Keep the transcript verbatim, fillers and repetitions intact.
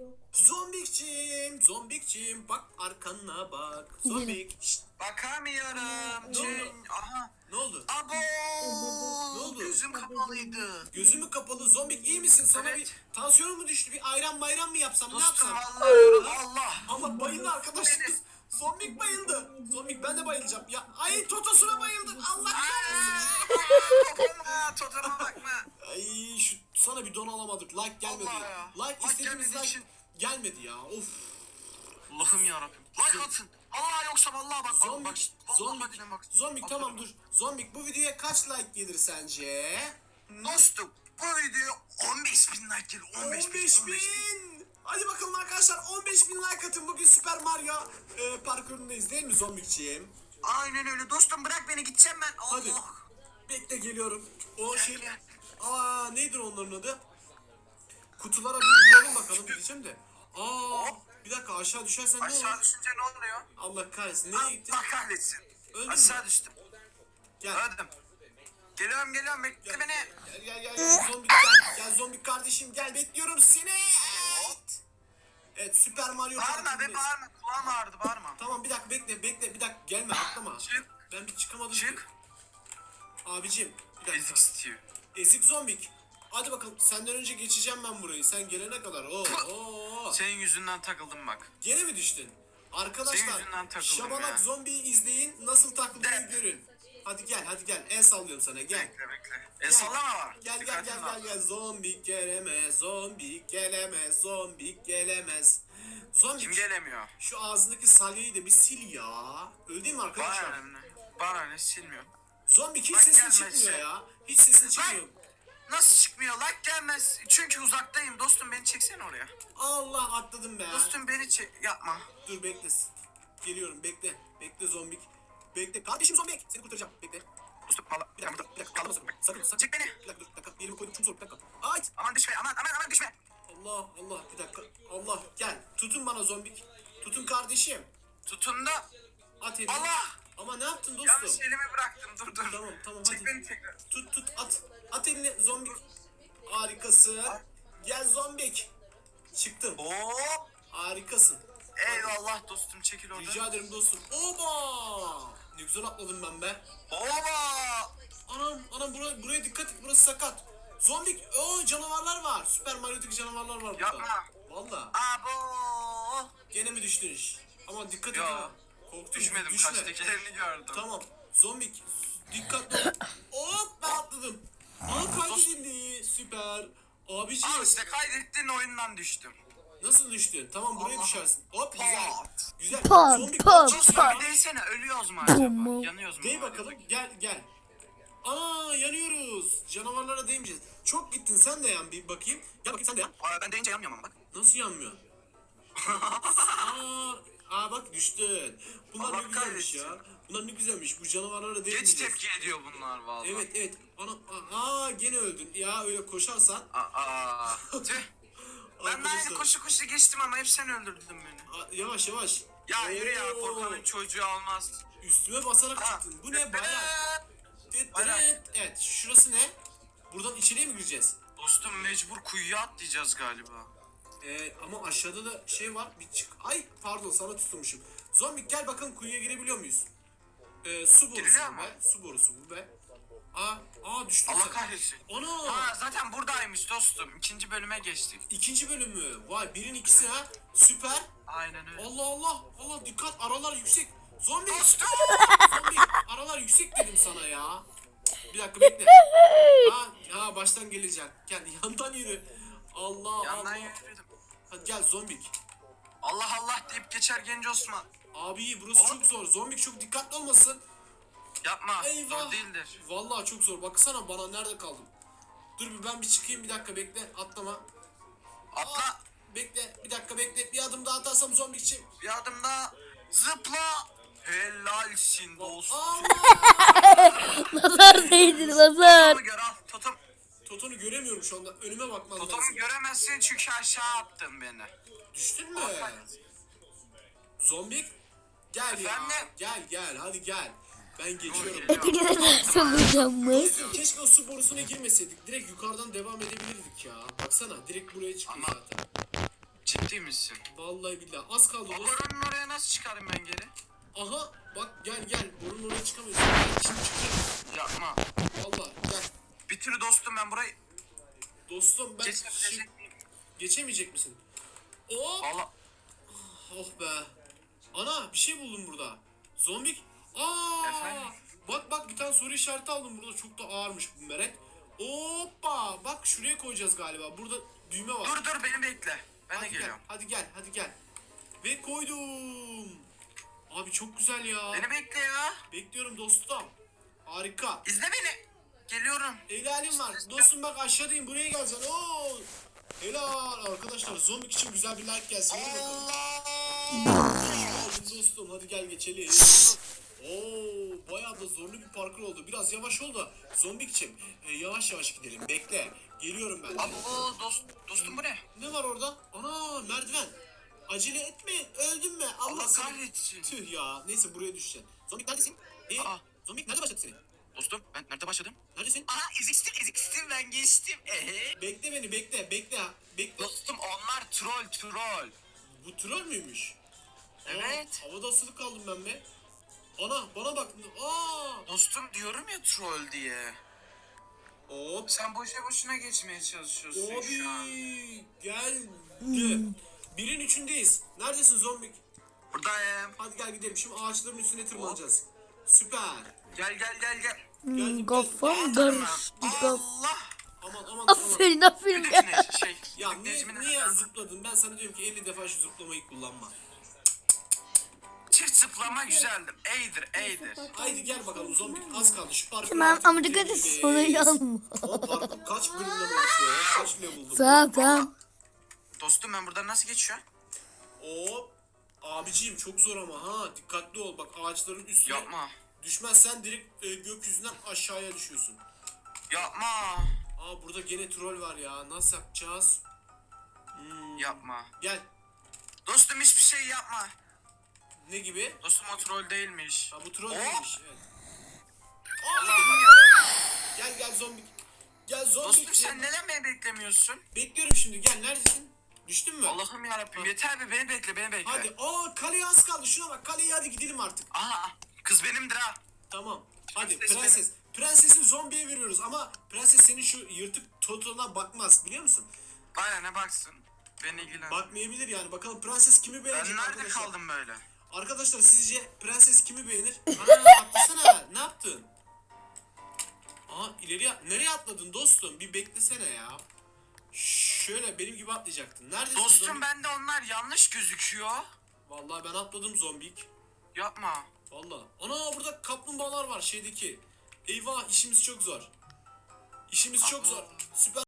Zombikçim, zombikçim bak arkana bak. Zombik. Şşt, Bakamıyorum. Ne oldu? Cin. Aha. ne oldu? Abo. Ne oldu? Gözüm kapalıydı. Gözümü kapalı zombik iyi misin? Sana Evet. bir tansiyonun mu düştü? Bir ayran bayram mı yapsam? Ne Dostum yapsam? vallahi diyorum Allah. Allah bayıldı arkadaşımız. Zombik bayıldı. Zombik ben de bayılacağım. Ya ay totosuna bayıldı. Allah kahretsin. Totoma, totoma bakma. Ay şu sana bir don alamadık. Like gelmedi. Allah ya. Like Like istediğimiz gelmediği like için. gelmedi ya. Of. Allah'ım yarabbim. Like atın. Allah yoksa vallahi bak. Zombik, bak, bak, zombik, vallahi billahi bak. zombik tamam dur. Zombik bu videoya kaç like gelir sence? Dostum bu video on beş bin like gelir. on beş bin. on beş bin. Hadi bakalım arkadaşlar on beş bin like atın. Bugün Super Mario e, parkurundayız değil mi zombikçiğim? Aynen öyle dostum, bırak beni, gideceğim ben. Allah. Hadi. Bekle geliyorum. O Gel, şey... gel. Aa nedir onların adı? Kutulara bir vuralım bakalım diyeceğim de. Aa bir dakika aşağı düşersen ne olur? Aşağı düşünce ne oluyor? Allah kahretsin. Nereye gittin? Allah kahretsin. Öldün Aşağı mü? düştüm. Gel. Öldüm. Geliyorum geliyorum, bekle Gel, beni. Gel gel gel gel zombik gel. Gel zombik kardeşim gel bekliyorum seni. Evet. Evet Super Mario Bağırma be, parkurundayız. bağırma. Kulağım ağrıdı, bağırma. Tamam bir dakika bekle bekle bir dakika gelme atlama. Çık. Ben bir çıkamadım. Çık. ki. Abicim bir dakika. Ezik Steve. Ezik zombik. Hadi bakalım senden önce geçeceğim ben burayı. Sen gelene kadar. Oo, oo. Senin yüzünden takıldım bak. Gene mi düştün? Senin Arkadaşlar yüzünden takıldım Şabanak ya. zombiyi izleyin. Nasıl takıldığını De. görün. Hadi gel hadi gel. El sallıyorum sana gel. Bekle bekle. El sallama var. Gel gel Dikkatli gel ol. gel gel. Zombik gelemez. Zombik gelemez. Zombik gelemez. Zombik. Kim gelemiyor? Şu ağzındaki salyayı da bir sil ya. Öyle değil mi arkadaşlar? Bana ne? Bana ne, silmiyor. Zombik hiç Bak sesin gelmezse. çıkmıyor ya. Hiç sesin çıkmıyor. Nasıl çıkmıyor? Like gelmez. Çünkü uzaktayım dostum, beni çeksene oraya. Allah atladım be. Dostum beni çek. Yapma. Dur bekle. Geliyorum bekle. Bekle zombik. Bekle. Kardeşim zombik. Seni kurtaracağım. Bekle. Dostum valla. Bir dakika, bir dakika. Kaldırma sakın. Sakın, sakın. Çek beni. Bir dakika, dur, bir dakika. Elimi koydum, çok zor, bir dakika. Ay! Aman düşme, aman aman aman düşme. Allah, Allah, bir dakika. Allah, gel. Tutun bana zombik. Tutun kardeşim. Tutun da. At elini. Allah! Ama ne yaptın dostum? Yanlış elimi bıraktım, dur dur. Tamam, tamam, Çek hadi. beni tekrar. Tut, tut, at. At elini zombik. Harikasın. Gel zombik. Çıktım. Hop. Harikasın. Eyvallah dostum, çekil oradan. Rica ederim dostum. Oba! Ne güzel atladım ben be. Oba! Anam, anam buraya, buraya dikkat et, burası sakat. Zombik, o canavarlar var. Süper Mario'daki canavarlar var burada. Yapma. Valla. Abo! Gene mi düştün iş? Ama dikkat et Yo, ha. Korktum. Düşmedim, düşme. kaçtakilerini gördüm. Tamam. Zombik, dikkatli ol. Hop ben atladım. Aa kaydedildi. Süper. Abiciğim. Al işte, kaydettiğin oyundan düştüm. Nasıl düştün? Tamam buraya Allah. düşersin. Hop güzel. Pat. Güzel. Pat, Zombik pat, çok Dostum güzel. bir değsene, ölüyoruz mu acaba? Tamam. Yanıyoruz mu? Dey acaba? bakalım. Gel gel. Aa yanıyoruz. Canavarlara değmeyeceğiz. Çok gittin sen de yan bir bakayım. Gel bakayım sen de yan. Aa, ben deyince yanmıyorum ama bak. Nasıl yanmıyor? aa, aa bak düştün. Bunlar Allah ne güzelmiş ya. kahretsin. Bunlar ne güzelmiş. Bu canavarlara Geç değmeyeceğiz. tepki ediyor bunlar vallahi. Evet evet. Ana, aa gene öldün. Ya öyle koşarsan. Aa, tüh. Ben de aynı Arkadaşlar, koşu koşu geçtim ama hep sen öldürdün beni. aa, yavaş yavaş. Ya yürü ya, Oo, korkanın çocuğu almaz. Üstüme basarak Aa, çıktın. Bu ne bayağı. Bayrak. Evet şurası ne? Buradan içeriye mi gireceğiz? Dostum mecbur kuyuya atlayacağız galiba. Ee, ama aşağıda da şey var. Bir çık. Ay pardon sana tutulmuşum. Zombik gel bakalım kuyuya girebiliyor muyuz? Ee, su borusu Giriliyor bu mu? be. Su borusu bu be. Aa, aa düştüm. Allah sen. kahretsin. Ana! Ha, zaten buradaymış dostum. İkinci bölüme geçtik. İkinci bölümü. Vay birin ikisi ha. Süper. Aynen öyle. Allah Allah. Allah dikkat aralar yüksek. Zombi. Dostum! Zombi. Aralar yüksek dedim sana ya. Bir dakika bekle. Ha, ha baştan gelecek. Gel yandan yürü. Allah Yandan Allah. yürüdüm. Hadi gel zombik. Allah Allah deyip geçer genç Osman. Abi burası Oğlum. çok zor. Zombik çok dikkatli olmasın. Yapma. Eyvah. Zor değildir. Vallahi çok zor. Baksana bana nerede kaldım. Dur bir ben bir çıkayım bir dakika bekle. Atlama. Atla. Bekle bir dakika bekle. Bir adım daha atarsam zombikçi. Bir adım daha. Zıpla. Helalsin dostum. Allah! Nazar değdir nazar. Totomu gör al. Totom. Totonu göremiyorum şu anda. Önüme bakmam Totomu lazım. göremezsin çünkü aşağı attın beni. Düştün mü? Zombik. Gel ya. Efendim? Gel gel hadi gel. Ben geçiyorum. Hepinize ders olacağımız. Keşke o su borusuna girmeseydik. Direkt yukarıdan devam edebilirdik ya. Baksana direkt buraya çıkıyor Ama- zaten. Ciddi misin? Vallahi billahi az kaldı O dostum. boranın oraya nasıl çıkarım ben geri? Aha bak gel gel. Borunun oraya çıkamıyorsun. Gel şimdi çıkacağım. Yapma. Vallahi gel. Bitir dostum ben burayı Dostum ben geçebilecek şi- miyim? geçemeyecek misin? Hop. Allah. Oh be. Ana bir şey buldum burada. Zombik. Aa! Efendim? Bak bak bir tane soru işareti aldım burada. Çok da ağırmış bu meret. Hoppa! Bak şuraya koyacağız galiba. Burada düğme var. Dur dur beni bekle. Ben de hadi gel. geliyorum. Hadi gel. Hadi gel. Ve koydum. Abi çok güzel ya. Beni bekle ya. Bekliyorum dostum. Harika. İzle beni. Geliyorum. Helalim var. Dostum bak aşağıdayım. Buraya geleceksin. Oo! Helal arkadaşlar. Zombik için güzel bir like gelsin. Hadi bakalım. Hadi dostum hadi gel geçelim. Oo, bayağı da zorlu bir parkur oldu. Biraz yavaş ol da zombikçim. E, yavaş yavaş gidelim. Bekle. Geliyorum ben. Abi o dost, dostum bu ne? Ne var orada? Ana merdiven. Acele etme. Öldün mü? Allah, Allah seni- kahretsin. Tüh ya. Neyse buraya düşeceksin. Zombik neredesin? E, Aa. Zombik nerede başladı seni? Dostum ben nerede başladım? Neredesin? Aha eziktim eziktim ben geçtim. Ehe. Bekle beni bekle. Bekle. Bekle. Dostum onlar troll troll. Bu troll müymüş? Evet. Aa, havada asılı kaldım ben be. Ana bana bak. Aa! Dostum diyorum ya troll diye. Hop. Sen boşa boşuna geçmeye çalışıyorsun şu an. Abi geldim. Birin üçündeyiz. Neredesin zombik? Buradayım. Hadi gel gidelim. Şimdi ağaçların üstüne tırmanacağız. Süper. Gel gel gel gel. Geldim, Kafam geldim. karıştı. Kaf- Allah. Aman aman aman. Aferin aferin. Bir de şey. Ya bir de niye, Necmi'nin- niye zıpladın? Ben sana diyorum ki elli defa şu zıplamayı kullanma. Çift zıplama güzeldir. Eydir eydir. Haydi gel bakalım zombik az kaldı. Şu parkuru Tamam artık ama dikkat et bitirmeliyiz. sonra yanma. O parkur kaç bölümden başlıyor ya? Kaç level buldum? Tamam tamam. Dostum ben buradan nasıl geçiyorum? Hop. Abiciğim çok zor ama ha. Dikkatli ol. Bak ağaçların üstüne Yapma. düşmezsen direkt e, gökyüzünden aşağıya düşüyorsun. Yapma. Aa burada gene troll var ya. Nasıl yapacağız? Hmm, Yapma. Gel. Dostum hiçbir şey yapma. Ne gibi? Dostum o troll değilmiş. Ha bu troll Hop. değilmiş. Evet. Allah'ım ya. Gel gel zombik. Gel zombik. Dostum sen neden beni beklemiyorsun? Bekliyorum şimdi. Gel neredesin? Düştün mü? Allah'ım yarabbim yeter be beni bekle beni bekle. Hadi. Aa kaleye az kaldı. Şuna bak. Kaleye hadi gidelim artık. Aha kız benimdir ha. Tamam. Hadi Prenses prenses. Prensesi zombiye veriyoruz ama prenses senin şu yırtık totona bakmaz biliyor musun? Bana ne baksın. Beni ilgilen. Bakmayabilir yani. Bakalım prenses kimi beğenecek Ben nerede arkadaşlar? kaldım böyle? Arkadaşlar sizce prenses kimi beğenir? Ana atlasana. Ne yaptın? Aa ileriye nereye atladın dostum? Bir beklesene ya. Şöyle benim gibi atlayacaktın. Neredesin Dostum zombik? bende onlar yanlış gözüküyor. Vallahi ben atladım zombik. Yapma. Vallahi. Ana burada kaplumbağalar var şeydeki. Eyvah işimiz çok zor. İşimiz çok zor. Süper.